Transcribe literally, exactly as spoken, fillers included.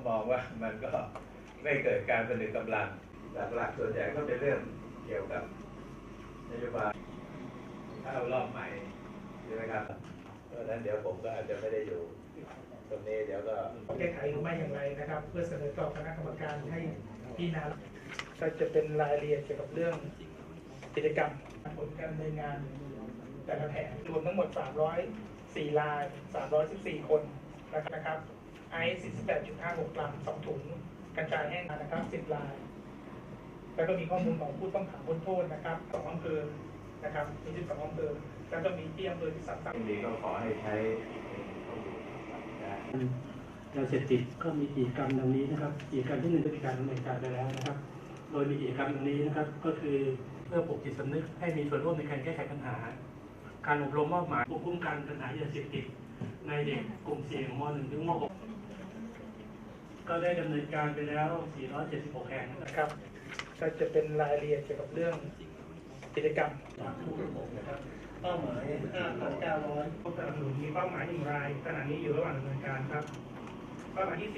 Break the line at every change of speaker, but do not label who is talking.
มองว่ามันก็ไม่เกิดการผนึกกำลังหลักๆส่วนใหญ่ก็เป็นเรื่องเกี่ยวกับนโยบายเข้ารอบใหม่ใช่ไหมครับเพราะฉะนั้นเดี๋ยวผมก็อาจจะไม่ได้อยู่ตรงนี้เดี๋ยวก็
แก้ไขหรือไม่อย่างไรนะครับเพื่อเสนอต่อคณะกรรมการให้พิจารณาก็จะเป็นรายละเอียดเกี่ยวกับเรื่องกิจกรรมผลการดำเนินงานแต่ละแผนรวมทั้งหมดสามร้อยสี่รายสามร้อยสิบสี่คนนะครับไอซ์ สี่สิบแปดจุดห้าหก กรัมสองถุงกัญชาแห้งนะครับสิบรายแล้วก็มีข้อมูลของผู้ต้องขังพ้นโทษนะครับสองอำเภอนะครับมีสิบสองอำเภอแล้วก็มีที่อำเภอที่สามสิบ
ดีก็ขอให้ใช้
ยาเสพติดก็มีกิจกรรมดังนี้นะครับกิจกรรมที่หนึ่งเป็นการดำเนินการไปแล้วนะครับ โดยมีกิจกรรมดังนี้นะครับก็คือเพื่อปลุกจิตสำนึกให้มีส่วนร่วมในการแก้ไขปัญหาการอบรมมอบหมายควบคุมการปัญหายาเสพติดในเด็กกลุ่มเสี่ยงม .หนึ่ง ถึงม .หก ก็ได้ดำเนินการไปแล้วสี่ร้อยเจ็ดสิบหกแห่งนะครับก็จะเป็นรายละเอียดเกี่ยวกับเรื่องกิจกรรมทุกระบบนะครับเป้าหมาย ห้าพันเก้าร้อย
ผู้สนับสนุนมีเป้าหมายหนึ่งรายขณะนี้อยู่ระหว่างดำเนินการครับเป้าหมายที่